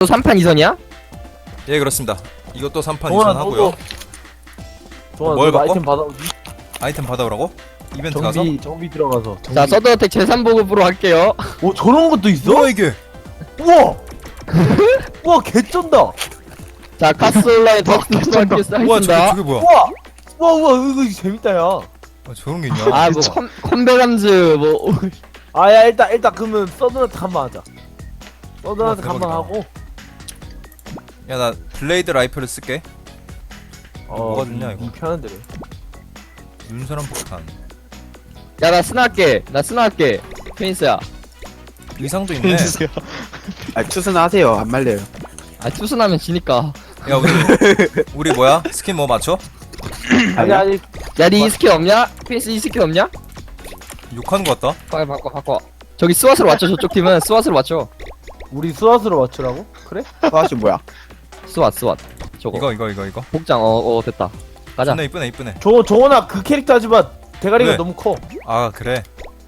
또 3판 2선이야? 예, 그렇습니다. 이것도 3판 동원아, 2선 하고요. 좋아, 뭘 너 바꿔? 아이템 받아오지? 아이템 받아오라고? 이벤트 가서? 정비 들어가서. 자, 서든어택 제3보급으로 할게요. 오, 저런 것도 있어? 뭐야 이게? 우와! 우와, 개쩐다! 자, 카스온라인 덕스토스 우와, 하겠습니다. 저게 뭐야? 우와! 우와, 이거 재밌다, 야. 아, 저런 게 있냐? 아, 뭐 컴배감즈 뭐 아, 야, 일단 그러면 서든한테 한번 하자. 서든한테 우와, 한번 대박이다. 하고. 야, 나 블레이드 라이플을 쓸게. 뭐가 좋냐, 이거? 편한 대로. 눈사람 폭탄. 야, 나 스나할게. 나 스나할게. 페인스야. 의상도 있네. 아 추스나 하세요. 안 말려요. 아, 투순하면 지니까. 야, 우리 뭐야? 스킨 뭐 맞춰? 아니. 야, 니 이 스킬 없냐? 페인스 이 스킬 없냐? 욕하는 거 같다? 빨리 바꿔. 저기 스왓으로 맞춰. 저쪽 팀은 스왓으로 맞춰. 우리 수화수로 맞추라고? 그래? 화씨 뭐야? 스왓. 저거. 이거. 복장. 됐다. 가자. 이쁘네, 이쁘네. 정원아, 그 캐릭터 하지만 대가리가 왜? 너무 커. 아, 그래.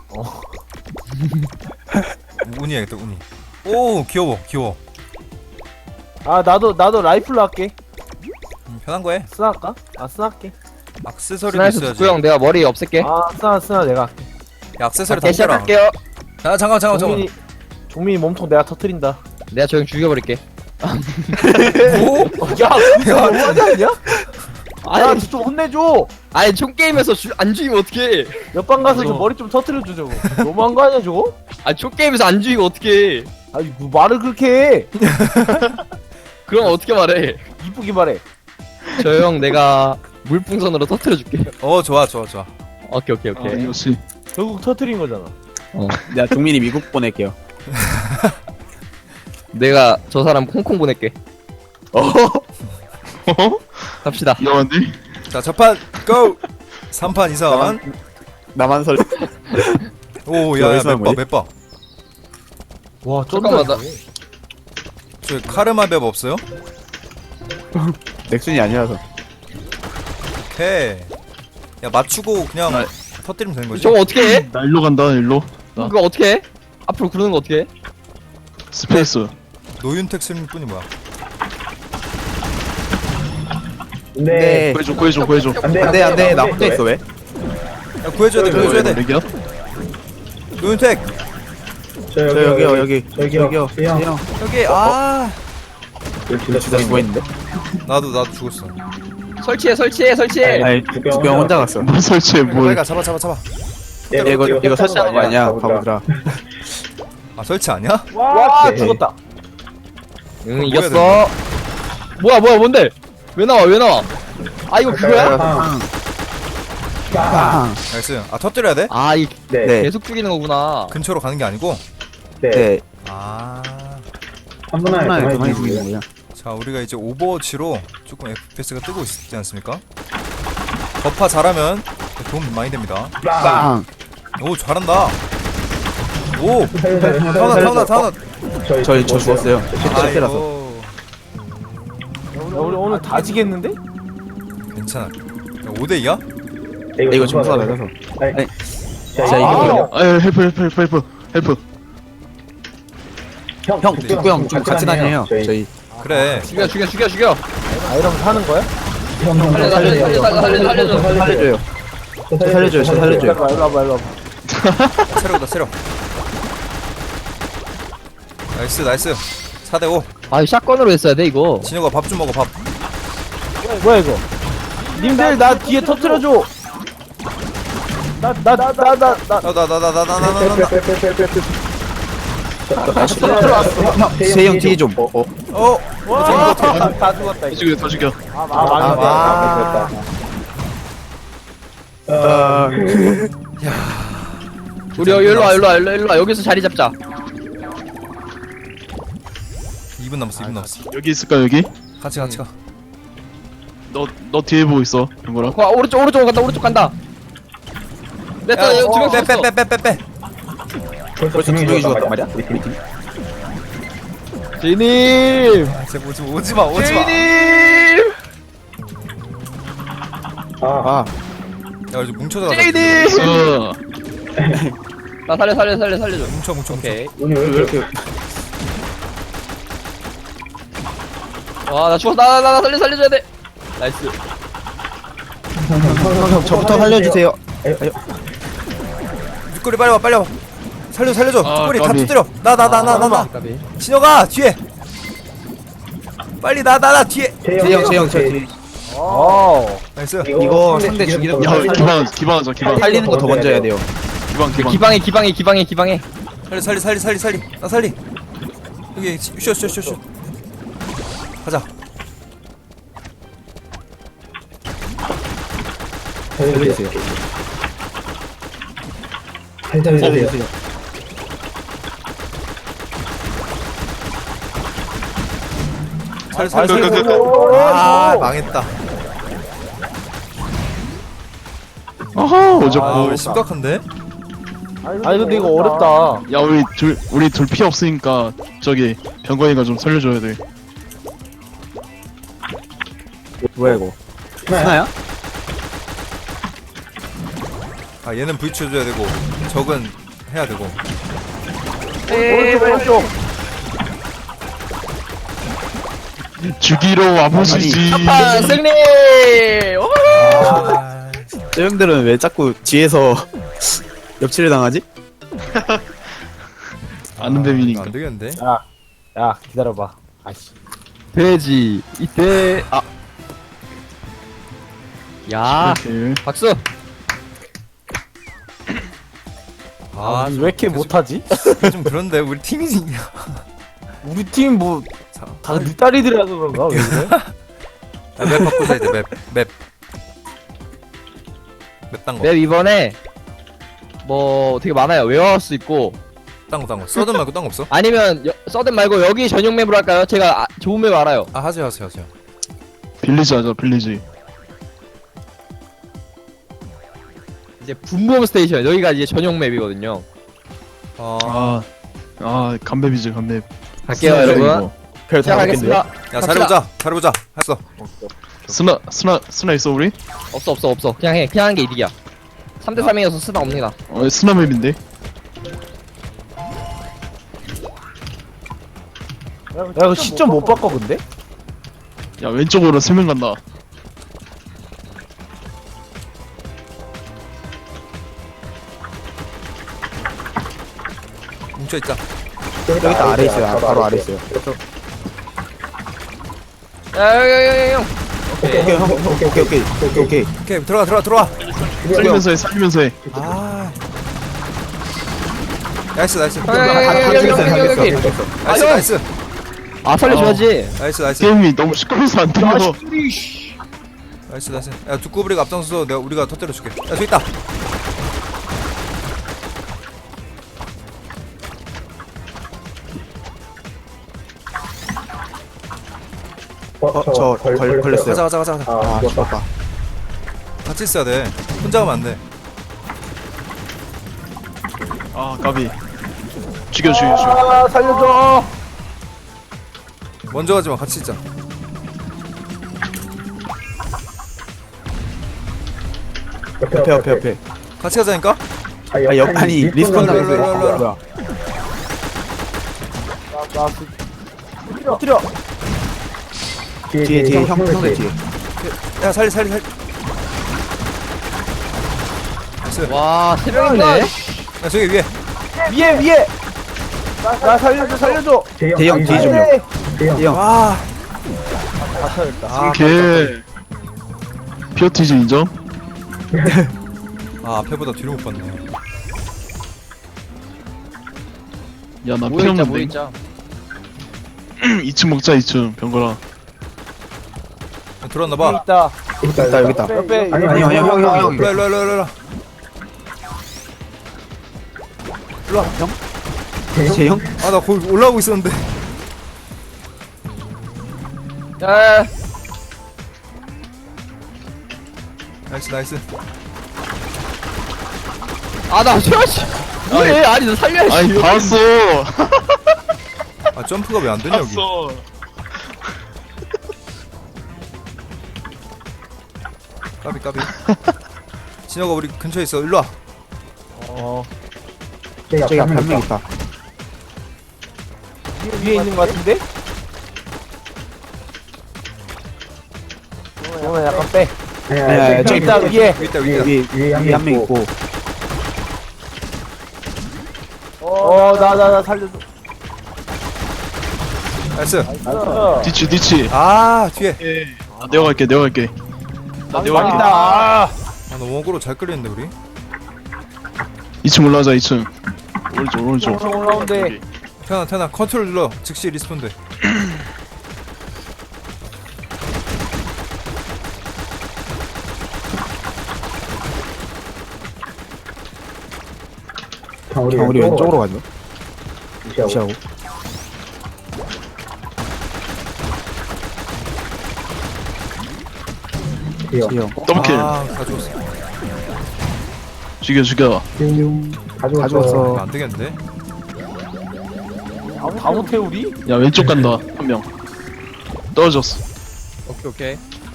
운이 해야겠다, 운이. 오, 귀여워. 아, 나도 라이플로 할게. 편한 거 해. 스나 할까? 아, 스나 할게. 액세서리도 스나에서 있어야지. 죽구형 내가 머리 없앨게. 아, 스나 내가 할게. 야, 액세서리 다 대시 껴라. 할게요. 야, 잠깐만. 종민이 몸통 내가 터트린다. 내가 저 형 죽여버릴게. 뭐? 야, 그거 너무하지 않냐? 야, 아니, 좀 혼내줘. 아니 총 게임에서 안 죽이면 어떡해? 옆방 가서 저 저거. 머리 좀 터트려줘, 저거. 너무한 거 아니야, 저거? 아니 총 게임에서 안 죽이면 어떡해? 아니, 뭐 말을 그렇게 해. 그럼 어떻게 말해? 이쁘게 말해. 저 형 내가 물풍선으로 터트려줄게. 좋아. 오케이. 역시 결국 터트린 거잖아. 내가 종민이 미국 보낼게요. 내가 저 사람 홍콩 보낼게. 갑시다. 이상한데? 자, 첫판 고! 3판 2선. 나만 설. 오, 야, 여기서 뭐지? 몇 봐. 와, 잠깐만, 쩐다. 저 카르마 맵 없어요? 넥슨이 아니라서. 오케이. 야, 맞추고 그냥 터뜨리면 되는 거지. 저거 어떻게 해? 나 일로 간다 일로. 그거 어떻게 해? 앞으로 구르는 거 어떻게 해? 스페이스. 노윤택 승리뿐이 뭐야? 네. 구해줘. 안돼 나 혼자 있어 왜? 야, 구해줘야 돼. 여기야? 노윤택! 저 여기요. 형. 여기, 아! 나 진짜 죽어 있는데. 나도 죽었어. 설치해. 아니 주경 혼자 갔어. 뭐 설치해 빨리 뭘? 가, 잡아. 야, 이거 설치하는 거 아니야, 바보들아. 아, 설치 아니야? 와, 죽었다. 응, 이겼어. 뭐야, 뭔데? 왜 나와? 아, 이거 그거야? 빵. 나이스. 아, 터뜨려야 돼? 아, 이 네. 계속 죽이는 거구나. 근처로 가는 게 아니고? 네. 아. 하나에 그만이 죽이는 거야. 자, 우리가 이제 오버워치로 조금 FPS가 뜨고 있지 않습니까? 버파 잘하면 도움 많이 됩니다. 빵. 오, 잘한다. 오! 타운아. 저 죽었어요. 실제라서. 아이고. 야, 우리 오늘 다 지겠는데? 괜찮아. 5대2야? 이거 점수가 낮아서. 아니, 자 이거 아유 헬프. 형 북구 형좀 같이 다녀요. 저희. 그래. 죽여. 아, 이러면 사는 거야? 살려줘. 살려줘요. 저 살려줘요. 일로 와봐. 세력이다, 세력. 나이스. 4대5. 아, 샷건으로 했어야 돼, 이거. 진혁아, 밥 좀 먹어, 밥. 뭐야, 이거? 님들, 나 뒤에 터트려줘! 나. 세형 뒤에 좀. 와, 다 죽었다, 이거. 다 죽여. 망했다. 우리 일로 와. 여기서 자리 잡자. 2분 남았어. 여기 있을까 여기? 같이 가. 너 뒤에 보고 있어. 이거랑. 와, 오른쪽 간다. 냈다, 야, 이거 두명 죽었어. 빼. 벌써 두 명이 죽었단 말이야? 제이님! 아, 쟤 오지 마. 제이님! 아. 야, 이제 뭉쳐서 가자. 제이님! 어. 나 살려줘. 뭉쳐. 오케이. 오늘 왜 이렇게 와, 나 죽었어. 나 살려줘야 돼. 나이스. 형 저부터 살려주세요. 육거리 빨리 와 빨리 와. 살려줘. 아, 육거리 다 까비. 터뜨려. 나. 까비. 진혁아 뒤에. 빨리 나 뒤에. 재영 저 뒤에. 나이스. 이거 상대 죽이는 야 거 기반하자 기반. 살리는 거 더 먼저 해야 돼요. 기반. 기방해. 살리. 나 살리. 여기 슛. 가자. 살려주세요. 살려주세요. 아 망했다. 아하 아 어졌고. 우리 심각한데? 아니 근데 이거 어렵다. 야 우리 둘 피 없으니까 저기 병건이가 좀 살려줘야 돼. 뭐야 이거? 하나야? 아 얘는 브이치 해줘야 되고 적은 해야 되고. 오른쪽. 죽이러 와보시지. 아, 승리. 아, 저 형들은 왜 자꾸 뒤에서 엽치를 당하지? 아는 이거 뱀이니까. 안 되겠는데? 야 기다려봐. 아씨. 돼지 이때 야, 이렇게. 박수. 아, 왜 이렇게 못하지? 좀 그런데 우리 팀이 우리 팀 뭐 다 네 딸이들이라서 그런가? 왜 그래? 맵 바꾸자 이제 맵 딴거 맵 이번에 뭐 되게 많아요. 웨어하우스 수 있고 딴거 서든 말고 딴 거 없어? 아니면 서든 말고 여기 전용 맵으로 할까요? 제가 좋은 맵 알아요. 아 하세요 빌리지 하자 빌리지. 이제 붐붐 스테이션 여기가 이제 전용 맵이거든요. 간맵이지 간맵. 갈게요 여러분. 별다 시작하겠습니다. 야 잘해보자 했어. 스나 있어 우리? 없어. 그냥 해. 그냥 하는 게 이득이야. 3대 3이어서 쓰나 없니다. 스나 맵인데. 야 이거 시점 못 바꿔 근데? 야 왼쪽으로 3명 간다. 뭉쳐있자. 여기 다 아래 있어요. 바로 아래 있어요. 야, 형. 오케이 형 오케이. 오케이 들어와. 살리면서 해. 아 나이스 여기. 나이스 아 살려줘야지. 나이스 게임이 너무 시끄러워서 안 들려. 나이스 야 두꺼비리가 앞장서서 우리가 터뜨려줄게. 야 저기 있다. 저 걸렸어요. 가자 아 죽었다. 같이 있어야 돼. 혼자 가면 안돼. 아 까비. 죽여. 아 살려줘. 먼저 가지마 같이 있자. 옆에. 같이 가자니까. 아니 리스폰 일로, 일로, 일로, 일로. 당했어요. 뭐야? 터뜨려. 뒤에 형들 뒤에. 야 살리 나이스. 와, 세 명이네. 야 저기 위에. 위에. 나 살려줘. 대형 뒤에 좀요. 대형. 와 다 터졌다. 아, 오케이. 피어티즈 인정? 아 앞에보다 뒤로 못 봤네. 야나 모여 있자. 필요없는데. 2층 먹자 2층 병거라. 들어왔나봐. 있다. 여기 있다. 옆에 아니 형. 일로와. 재형? 아 나 거기 올라오고 있었는데. 야, 나이스. 나 쉬어야지. 왜? 아니 너 살려야지. 아니 다 왔어. 아 점프가 왜 안 되냐 여기. 왔어. 까비. 진혁아 우리 근처에 있어. 일로와. 저기 앞에 한 명 있다. 위에 있는 거 같은데? 정훈아 약간 빼. 네, 저기 있다 위에. 여기 있다, 여기 있다. 위에 한 명 있고. 나 살려줘. 나이스. 뒤치. 아, 뒤에. 아, 내가 갈게. 나 내가 갈게. 망했다. 아, 너무 원고로 잘 끌리는데, 우리? 2층 올라가자, 2층. 오른쪽. 엄청 올라온대. 태나, 컨트롤 눌러. 즉시 리스폰돼. 우리 왼쪽으로 가죠. 무시하고. 지형. 더블킬. 아, 다 죽었어. 죽여. 가져왔어. 안 되겠는데? 다 못해 우리? 야, 왼쪽 간다. 한 명. 떨어졌어. 오케이.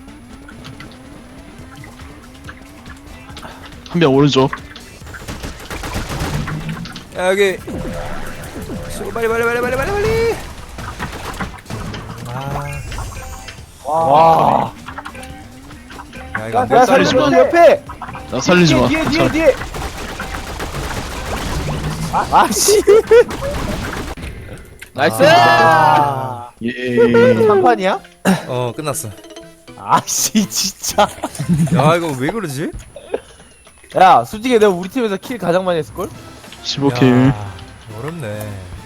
한 명 오른쪽. 야, 여기. 빨리. 와. 야, 이거 안 야 되겠다. 살려줘 옆에. 나 살리지 마. 뒤에. 아씨. 나이스. 예. 한판이야? 끝났어. 아씨 진짜. 야, 이거 왜 그러지? 야 솔직히 내가 우리 팀에서 킬 가장 많이 했을걸? 15킬. 야, 어렵네.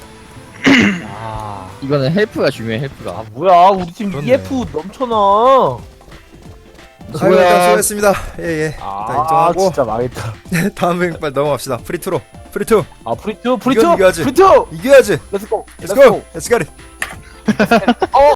아 이거는 헬프가 중요해. 헬프가. 뭐야 우리 팀 그렇네. EF 넘쳐나. 아이고, 일단 수고했습니다. 예. 일단 인정하고. 진짜 망했다. 다음 행 빨리 넘어갑시다. 프리투로. 아 프리투 이겨야지. 프리투. 이겨야지. 렛츠고. Let's go. Let's get it.